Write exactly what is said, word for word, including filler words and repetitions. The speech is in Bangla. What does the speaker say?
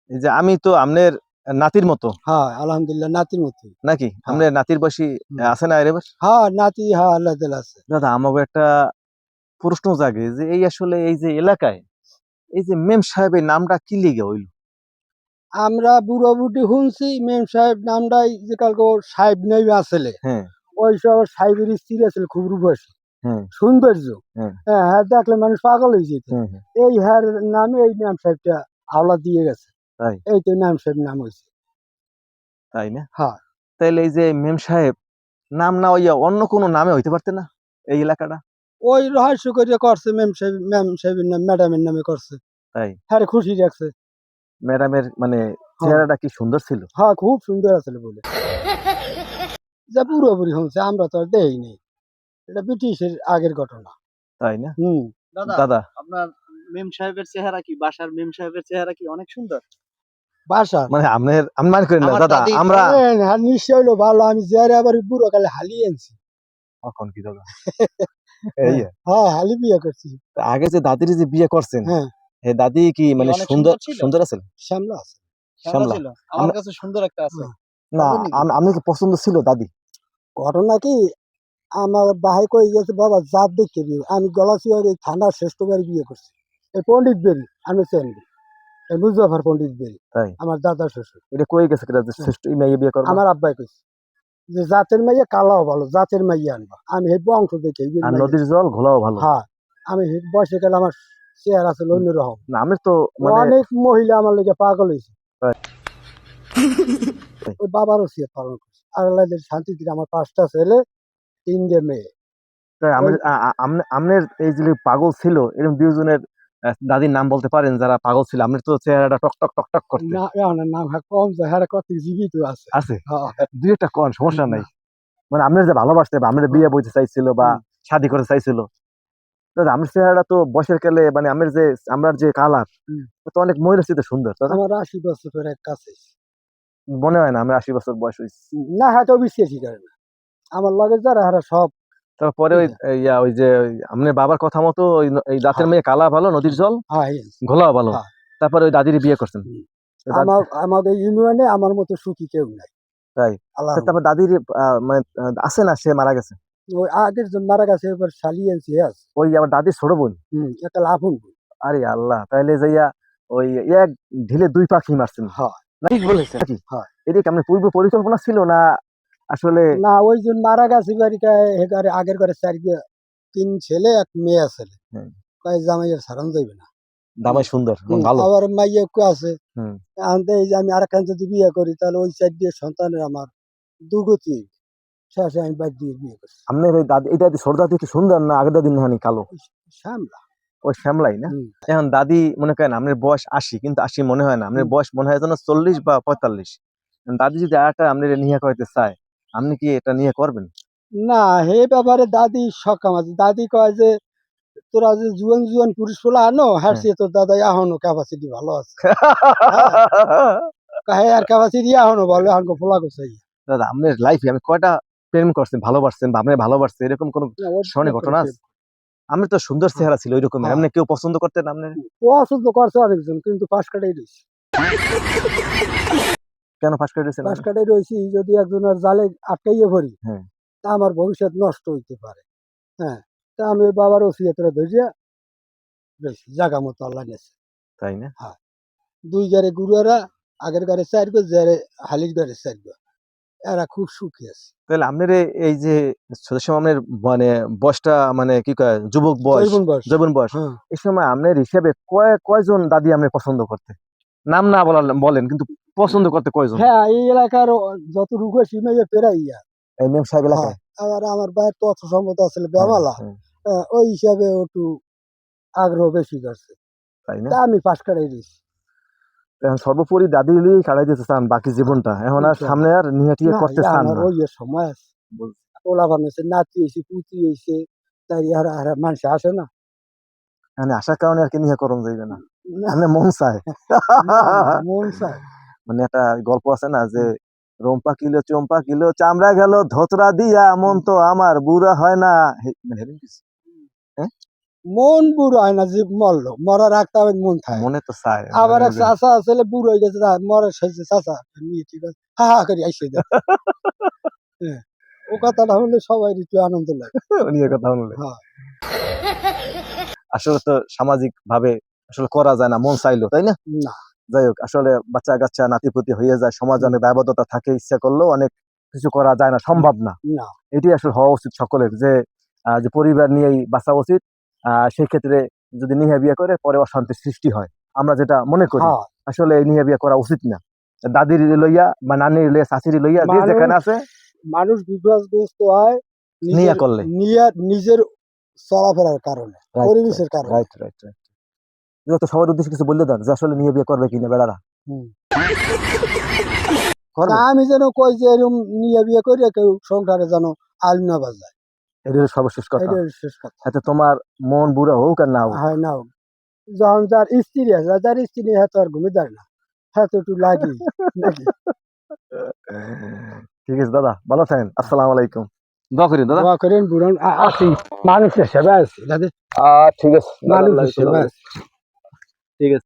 এই যে আমি তো আমনের নাতির মতো। হ্যাঁ, আলহামদুলিল্লাহ নাতির মতোই। নাকি? হ্যাঁ। আমনের নাতির বয়সী হুম। আছে না এর এবার? হ্যাঁ, নাতি হ্যাঁ, আল্লাহ তাআলা আছে। দাদা আমাকে একটা প্রশ্ন জাগে যে এই আসলে এই যে এলাকায় এই যে মেম সাহেব এই নামটা কি লিগে হইল? আমরা বুড়ো বুটি শুনছি মেম সাহেব নামটাই যে কালকে ওর সাহেব নেমে আসলে হ্যাঁ, ওই সব সাহেবের স্ত্রী আছিল খুব রূপসী হ্যাঁ, সৌন্দর্য। হ্যাঁ, হ্যাঁ, হ্যাঁ দেখলে মানুষ পাগল হয়ে যেত। হ্যাঁ, হ্যাঁ, এই হ্যার নামে এই মেম সাহেবটা হাওলা দিয়ে গেছে। তাই, এই তো মেম সাহেব নাম হয়েছে। তাই না? হ্যাঁ, তাইলে এই যে মেম সাহেব নাম না হইয়া অন্য কোনো নামে হইতে পারতে না এই এলাকাটা? ওই রহস্য করে করছে মেম সাহেব মেম সাহেবের নাম ম্যাডামের নামে করছে। তাই হ্যাঁ খুশি রাখছে। ম্যাডামের মানে হ্যাঁ, চেহারাটা কি সুন্দর ছিল? হ্যাঁ খুব সুন্দর আসলে বলে। যা পুরোপুরি শুনছে আমরা তো আর দেখিনি। এটা ব্রিটিশের আগের ঘটনা। তাই না? হুম। দাদা দাদা আপনার মেম সাহেবের চেহারা কি বাসার মেম সাহেবের চেহারা কি অনেক সুন্দর? বাসা মানে আপনার আমি মনে করি না আমার দাদা দাদি আমরা হ্যাঁ নিশ্চয় হইলো ভালো আমি যারে আবার বুড়ো কালে হালিয়ে আনছি। এখন কি দাদা এই হ্যাঁ, হ্যাঁ হালি বিয়ে করছি। তা আগে যে দাদির যে বিয়ে করছেন হ্যাঁ, হে দাদি কি কি মানে অনেক সুন্দর সুন্দর ছিল? সুন্দর আছে শ্যামলা আছে। শ্যামলা শ্যামলা ছিল? আমার আমরা কাছে সুন্দর একটা আছে। হ্যাঁ। না পাবেন নাকি? আম- আপনি কি পছন্দ ছিল দাদি? ঘটনা কি আমার ভাই কই গেছে বাবা জাত দেখতে বিয়ে আমি গলাচিয়ার এই থানার শ্রেষ্ঠ বাড়ি বিয়ে করছি। এই পণ্ডিত বেরি আমি চেনবি এই মুজাফর পণ্ডিত বেরি তাই আমার দাদার শ্বশুর। এটা কই গেছে কিনা যে হ্যাঁ, শ্রেষ্ঠ এই মেয়ে বিয়ে করবা আমার আব্বাই কইছে যে জাতের মাইয়া কালাও ভালো জাতের মাইয়া আনবা আমি এই বংশ দেখে এই আর মাইয়া নদীর জল ঘোলাও ভালো হ্যাঁ আমি এই বয়সে গেলে আমার চেহারা ছিল অন্যরকম। না আমি তো মানে অনেক মহিলা আমার লেগে পাগল হয়েছে। তাই, ওই বাবার ওসিয়ত পালন করছে আর আল্লাহ যদি শান্তি দিলে আমার পাঁচটা ছেলে তিনটে মেয়ে। তাই আমি ওই আমনের এই যে পাগল ছিল এরকম দুইজনের আহ, দাদির নাম বলতে পারেন যারা পাগল ছিল আপনার তো চেহারাটা টক টক টক টক করতে না এখনের নাম হ্যাঁ কম যায় হ্যাঁ কত জীবিত আছে। আছে হ্যাঁ, দুই একটা কোন সমস্যা নাই না, মানে আপনার যে ভালোবাসতে বা আপনার বিয়ে বইতে চাইছিল বা হুম, শাদী করতে চাইছিল দাদা আমার চেহারাটা তো বয়সের কালে মানে আমার যে আমার যে কালার হুম। তো অনেক মহিলা চিতে সুন্দর দাদা আমার আশি বছরের এক কাছে মনে হয় না আমার আশি বছর বয়স হয়েছে না হ্যাঁ তো বিশ্বাসই করে না আমার লগে যারা হারা সব তারপরে ওই বুঝলে? ইয়া ওই যে ওই আপনার বাবার কথা মতো ওই ন- এই দাঁতের হ্যাঁ মেয়ে কালা ভালো নদীর জল হ্যাঁ yes, ঘোলাও ভালো হ্যাঁ তারপরে ওই দাদির বিয়ে করছেন হুম। তো দাদ- আমার আমাদের ইউনিয়নে আমার মতো সুখী কেউ নাই তাই আল্লাহ তা তারপর দাদির আহ, মানে আহ, আছে না সে মারা গেছে ওই আগের জন মারা গেছে এবার শালিয়েছি হ্যাঁ ওই আবার দাদির ছোট বোন হুম একটা লাভুন আরে আল্লাহ তাইলে যাইয়া ওই এক ঢিলে দুই পাখি মারছেন হ্যাঁ ঠিক বলেছেন নাকি হ্যাঁ এদিকে আপনার পূর্ব পরিকল্পনা ছিল না আসলে না ওই জন মারা গেছে বাড়িটায় এগারে আগের ঘরে চার গে- তিন ছেলে এক মেয়ে ছেলে হুম, কয় জামাইয়ের সারান যাইবে না। দামাই সুন্দর এবং হুম, ভালো আবার মাইয়া একটু আছে হুম আনতে এই যে আমি আরেকখান যদি বিয়ে করি তাহলে ওই চার দিয়ে সন্তানের আমার দুগতি শেষে আমি বাদ দিয়ে বিয়ে করছি। আপনার ওই দাদি এই দাদি ছোট দাদি কি সুন্দর না আগের দাদি নাহানি কালো ওই শ্যামলা ওই শ্যামলাই না হুম এখন দাদি মনে করেন আপনার বয়স আশি কিন্তু আশি মনে হয় না আপনার হুম। বয়স মনে হয় যেন চল্লিশ বা পঁয়তাল্লিশ এখন দাদি যদি আর একটা আপনার নিয়ে করতে চায় আপনি কি এটা নিয়ে করবেন না হে ব্যাপারে দাদি সকাম আছে দাদি কয় যে তোরা যে জুয়ান জুয়ান পুরুষ পোলা আনো হ্যাঁ হ্যাঁ সে তো দাদা এখনো ক্যাপাসিটি ভালো আছে। হ্যাঁ হ্যাঁ আর ক্যাপাসিটি এখনো ভালো এখন পোলা কোথায় দাদা আপনার লাইফে আমি কয়টা প্রেম করছেন ভালোবাসছেন বা আপনি ভালোবাসছেন এরকম কোন না ওর স্মরণীয় ঘটনা আছে আমি তো সুন্দর হ্যাঁ চেহারা ছিল ওই রকমের হ্যাঁ আপনি কেউ পছন্দ করতেন আপনার পছন্দ করছে অনেকজন কিন্তু পাশ কাটাই রয়েছে কেন ফাঁস করে দিয়েছেন পাশ আপনি? কাটাই রয়েছি যদি একজনের জালে আটকাইয়ে পড়ি হ্যাঁ তা আমার ভবিষ্যৎ নষ্ট হইতে পারে। হ্যাঁ তা আমি বাবার ওসিয়তরা ধরিয়া রয়েছি জাগা মতো আল্লাহ নেছে। তাই না হ্যাঁ দুই গাড়ি গুরুয়ারা আগের গাড়ি চার গো যারে হালির গাড়ি চার গো এরা খুব সুখী আছে। তাহলে আপনার এ- এই যে ছোট সময় আপনার মানে বয়সটা মানে কি কয় যুবক বয়স জৈবন বয়স যৌবন বয়স হ্যাঁ এই সময় আপনার হিসেবে কয় কয়জন দাদি আপনি পছন্দ করতে নাম না বলার বলেন কিন্তু পছন্দ করতে কয়জন হ্যাঁ এই এলাকার ও- যত রুখ সীমাইয়া পেরাইয়া এই মেম সাহেব হ্যাঁ এলাকায় আবার আমার ভাইয়ের তো অর্থ সম্মত আছে হ্যাঁ বেমালা হ্যাঁ হ্যাঁ, ওই হিসাবে ও একটু আগ্রহ বেশি করছে তাই না তা আমি পাশ কাটাই দিয়েছি এখন সর্বোপরি দাদি লিয়েই কাটাই দিতে চান বাকি জীবনটা এখন আর ইনশাল্লাহ। সামনে আর নিয়ে টিয়ে না করতে চান আমার না ওই এর সময় আছে বুঝ- ওলা বানাইছে নাতি হয়েছে পুতি হয়েছে তাই আর আর মানুষ আসে না। মানে আসার কারণে আর কি নিয়ে করণ যাইবে না না আপনি মন চায় না না মন চায় মানে একটা গল্প আছে না যে হুম, রম্পা কিলো চম্পা কিলো চামড়া গেল ধোতরা দিয়া মন হুম, তো আমার বুড়া হয় না হে- মানে হেরেন কিছু? হ্যাঁ মন বুড়ো হয় না যে মরলো মরার রাখতে হবে মন থাকে মনে তো চায় আবার মানে এক চাচা আসলে বুড়ো হয়ে গেছে মরার শেষে চাচা নিয়ে ঠিক আছে হা হা করে আইসে দেয় হ্যাঁ ও কথাটা হলে সবাই একটু আনন্দ লাগে উনি এ কথা বললে হ্যাঁ আসলে তো সামাজিক ভাবে আসলে করা যায় না মন চাইলো তাই না না যাই হোক আসলে বাচ্চা কাচ্চা নাতিপুতি হয়ে যায় সমাজে অনেক দায়বদ্ধতা থাকে ইচ্ছা করলেও অনেক কিছু করা যায় না সম্ভব না না এটি আসলে হওয়া উচিত সকলের যে আহ, যে পরিবার নিয়েই বাঁচা উচিত আহ সেই ক্ষেত্রে যদি নিহা বিয়ে করে পরে অশান্তির সৃষ্টি হয় আমরা যেটা মনে করি হ্যাঁ আসলে এই নিহা বিয়ে করা উচিত না দাদির লইয়া বা নানির লইয়া চাচির লইয়া যে মানুষ- যেখানে আছে মানুষ বিপদগ্রস্ত হয় নিয়া নিজের করলে নিয়া- নিজের চলাফেরার কারণে পরিবেশের কারণে রাইট রাইট রাইট তো সবার উদ্দেশ্যে কিছু বললে দেন যে আসলে নিয়ে বিয়ে করবে কিনা বেড়ারা হুম। করবে তা আমি যেন কই যে এরকম নিয়ে বিয়ে করে কেউ সংসারে যেন আল না বাজায় এটা হলো সর্বশেষ কথা এটাই শেষ কথা এতে তোমার মন বুড়া হোক আর না হোক হয় না যখন যার স্ত্রী আছে যার স্ত্রী হ্যাঁ তো আর ঘুমে দেয় না হ্যাঁ তো একটু লাগি নাকি ঠিক আছে দাদা ভালো থাকেন আসসালামু আলাইকুম দোয়া করি দাদা দোয়া করেন বুড়ন আ- আছি মানুষের সেবা আছে দাদা আহ ঠিক আছে দাদা, মানুষের আল্লাহ সেবা হাফেজ। আছে ঠিক আছে